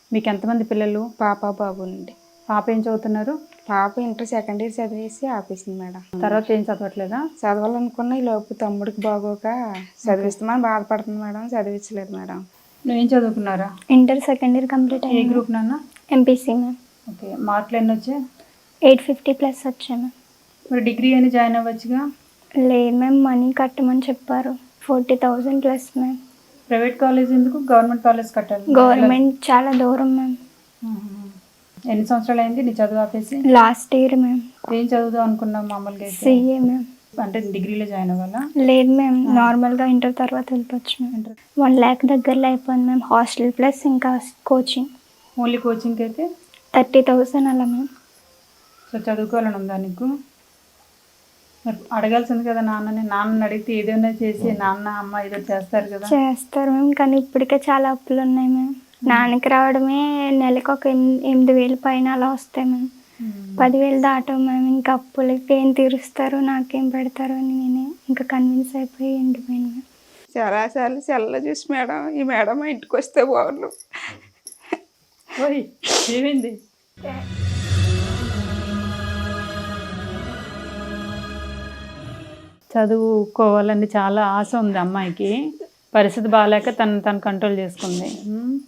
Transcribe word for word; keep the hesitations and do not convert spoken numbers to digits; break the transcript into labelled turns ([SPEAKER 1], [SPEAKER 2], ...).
[SPEAKER 1] మీకు ఎంతమంది పిల్లలు?
[SPEAKER 2] పాప బాబు అండి.
[SPEAKER 1] పాప ఏం చదువుతున్నారు?
[SPEAKER 2] పాప ఇంటర్ సెకండ్ ఇయర్ చదివేసి ఆపేసింది మేడం.
[SPEAKER 1] తర్వాత ఏం చదవట్లేదా?
[SPEAKER 2] చదవాలనుకున్న ఈ లోపు తమ్ముడికి బాగోక చదివిస్తామని బాధపడుతుంది మేడం, చదివించలేదు మేడం.
[SPEAKER 1] నువ్వేం చదువుకున్నారా?
[SPEAKER 3] ఇంటర్ సెకండ్ ఇయర్ కంప్లీట్
[SPEAKER 1] ఏ
[SPEAKER 3] అయ్యింది.
[SPEAKER 1] గ్రూప్ నాన్న?
[SPEAKER 3] MPC ma'am.
[SPEAKER 1] ఓకే, మార్కులు ఎన్ని వచ్చాయి?
[SPEAKER 3] ఎయిట్ ఫిఫ్టీ ప్లస్ వచ్చాయి మ్యామ్.
[SPEAKER 1] మరి డిగ్రీ అని జాయిన్ అవ్వచ్చుగా?
[SPEAKER 3] లేదు మ్యామ్, మనీ కట్టమని చెప్పారు. Forty thousand plus ma'am.
[SPEAKER 1] Private college ఎందుకు, గవర్నమెంట్ కాలేజ్ కట్టాలి?
[SPEAKER 3] గవర్నమెంట్ చాలా దూరం మ్యామ్.
[SPEAKER 1] ఎన్ని సంవత్సరాలు అయింది నీ చదువు ఆపేసి?
[SPEAKER 3] Last year ma'am.
[SPEAKER 1] ఏం చదువుదాం అనుకున్నాం మామూలుగా అయితే?
[SPEAKER 3] CA ma'am.
[SPEAKER 1] అంటే డిగ్రీలో జాయిన్ అవ్వాలా?
[SPEAKER 3] లేదు మ్యామ్, నార్మల్గా ఇంటర్ తర్వాత వెళ్ళిపోవచ్చు మ్యామ్. వన్ ల్యాక్ దగ్గరలో అయిపోయింది మ్యామ్, హాస్టల్ ప్లస్ ఇంకా కోచింగ్.
[SPEAKER 1] ఓన్లీ కోచింగ్కి అయితే
[SPEAKER 3] థర్టీ థౌసండ్ అలా మ్యామ్.
[SPEAKER 1] సో చదువుకోవాలని ఉందా నీకు? మరి అడగాల్సింది కదా నాన్నని. నాన్నని అడిగితే ఏదైనా చేసి నాన్న అమ్మ ఏదో చేస్తారు కదా.
[SPEAKER 3] చేస్తారు మ్యామ్, కానీ ఇప్పటికే చాలా అప్పులు ఉన్నాయి మ్యామ్. నాన్నకి రావడమే నెలకు ఒక ఎనిమిది ఎనిమిది వేలు పైన అలా వస్తాయి మ్యామ్. పదివేలు దాటం మ్యామ్. ఇంకా అప్పులకి ఏం తీరుస్తారు, నాకేం పెడతారు అని నేనే ఇంకా కన్విన్స్ అయిపోయి ఎండిపోయాను మ్యామ్.
[SPEAKER 2] చాలాసార్లు సెల్లో చూసి మేడం ఈ మేడం మా ఇంటికి వస్తే బాగుండు.
[SPEAKER 1] ఓయ్ ఏమైంది? చదువుకోవాలని చాలా ఆశ ఉంది అమ్మాయికి. పరిస్థితి బాగాలేక తను తను కంట్రోల్ చేసుకుంది.